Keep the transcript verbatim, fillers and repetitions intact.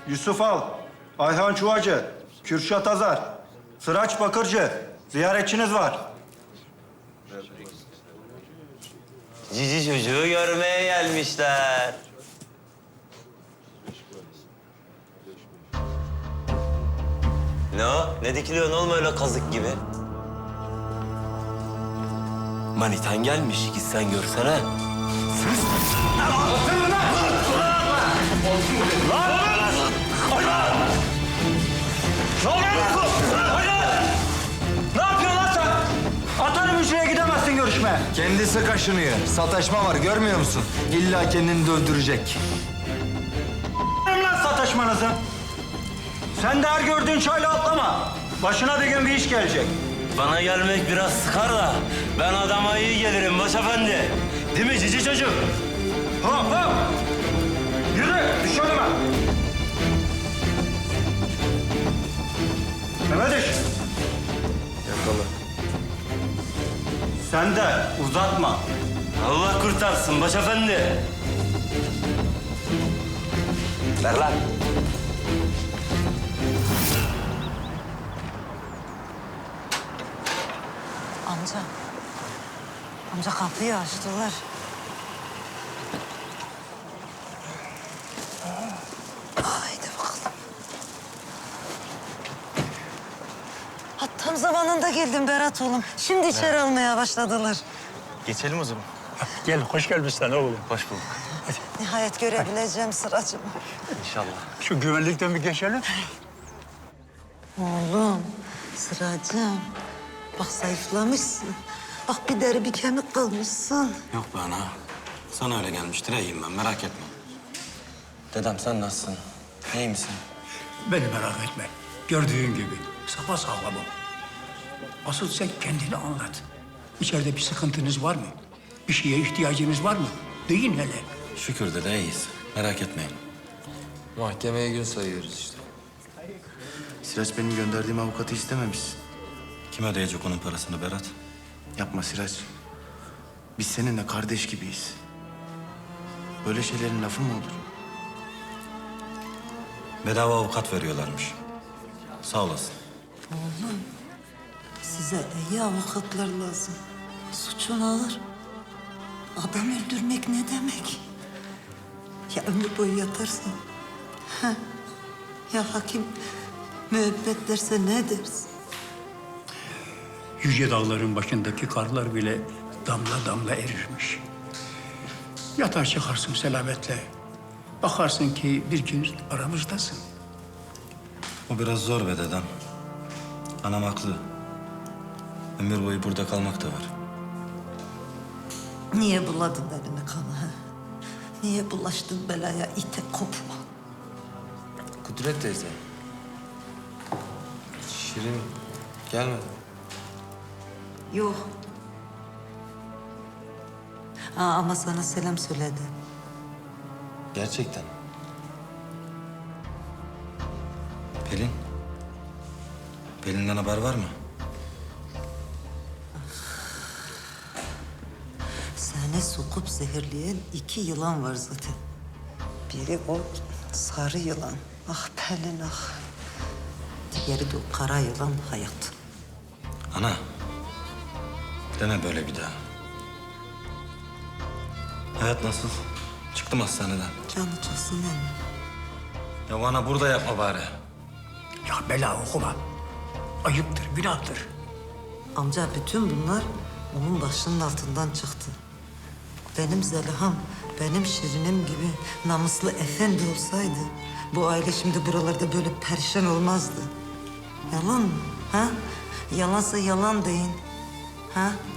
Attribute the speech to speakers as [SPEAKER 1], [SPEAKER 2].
[SPEAKER 1] Yusuf Al, Ayhan Çuvacı, Kürşat Azar, Sıraç Bakırcı. Ziyaretçiniz var.
[SPEAKER 2] Cici çocuğu görmeye gelmişler. Ne o? Ne dikiliyorsun oğlum öyle kazık gibi? Manitan gelmiş, gitsen görsene.
[SPEAKER 1] Ne yapıyorsun lan sen? Atarım hücreye gidemezsin görüşmeye.
[SPEAKER 3] Kendisi kaşınıyor. Sataşma var görmüyor musun? İlla kendini de öldürecek.
[SPEAKER 1] Ne lan sataşmanızı? Sen de her gördüğün çayla atlama. Başına bir gün bir iş gelecek.
[SPEAKER 2] Bana gelmek biraz sıkar da ben adama iyi gelirim başefendi. Değil mi cici çocuk?
[SPEAKER 1] Hop hop! Yürü, düş önüme. Mehmet iş.
[SPEAKER 3] Yakala.
[SPEAKER 1] Sen de uzatma.
[SPEAKER 2] Allah kurtarsın başefendi. Ver lan.
[SPEAKER 4] Amca. Amca kapıyı açtılar. Haydi bakalım. Ha, tam zamanında geldim Berat oğlum. Şimdi içeri almaya başladılar.
[SPEAKER 5] Geçelim o zaman.
[SPEAKER 6] Gel, hoş gelmişsin oğlum.
[SPEAKER 5] Hoş bulduk.
[SPEAKER 4] Nihayet görebileceğim Sıracığımı.
[SPEAKER 5] İnşallah.
[SPEAKER 6] Şu güvenlikten bir geçelim.
[SPEAKER 4] Oğlum, Sıracığım. Bak zayıflamışsın. Bak bir deri bir kemik kalmışsın.
[SPEAKER 7] Yok be ana. Sana öyle gelmiştir. İyiyim ben, merak etme. Dedem sen nasılsın? İyi misin?
[SPEAKER 6] Beni merak etme. Gördüğün gibi sapasağlamım. Asıl sen kendini anlat. İçeride bir sıkıntınız var mı? Bir şeye ihtiyacınız var mı? Deyin hele.
[SPEAKER 7] Şükür dede iyiyiz. Merak etmeyin.
[SPEAKER 3] Mahkemeye gün sayıyoruz işte.
[SPEAKER 5] Siraç benim gönderdiğim avukatı istememiş.
[SPEAKER 7] Kim ödeyecek onun parasını Berat?
[SPEAKER 5] Yapma Siraç. Biz seninle kardeş gibiyiz. Böyle şeylerin lafı mı olur?
[SPEAKER 7] Bedava avukat veriyorlarmış. Sağ olasın.
[SPEAKER 4] Oğlum, size iyi avukatlar lazım. Suçun ağır. Adam öldürmek ne demek? Ya ömür boyu yatarsın? Ha? Ya hakim müebbet derse ne dersin?
[SPEAKER 6] Yüce dağların başındaki karlar bile damla damla erirmiş. Yatar çıkarsın selametle. Bakarsın ki bir gün aramızdasın.
[SPEAKER 7] O biraz zor be dedem. Anam haklı. Ömür boyu burada kalmak da var.
[SPEAKER 4] Niye buladın elimi kanı? Ha? Niye bulaştın belaya ite kopma?
[SPEAKER 3] Kudret teyze. Şirin gelmedi.
[SPEAKER 4] Yok. Aa, ama sana selam söyledi.
[SPEAKER 3] Gerçekten.
[SPEAKER 7] Pelin? Pelin'den haber var mı?
[SPEAKER 4] Seni sokup zehirleyen iki yılan var zaten. Biri o sarı yılan. Ah Pelin ah. Diğeri de o kara yılan Hayat.
[SPEAKER 7] Ana. Deme böyle bir daha. Hayat nasıl? Çıktım hastaneden.
[SPEAKER 4] Canı çılsın emmi.
[SPEAKER 7] Ya bana burada yapma bari.
[SPEAKER 6] Ya bela okuma. Ayıptır, günahtır.
[SPEAKER 4] Amca bütün bunlar onun başının altından çıktı. Benim Zeliha'm, benim Şirinim gibi namuslu efendi olsaydı... bu aile şimdi buralarda böyle perişan olmazdı. Yalan mı? Ha? Yalansa yalan deyin. Ha?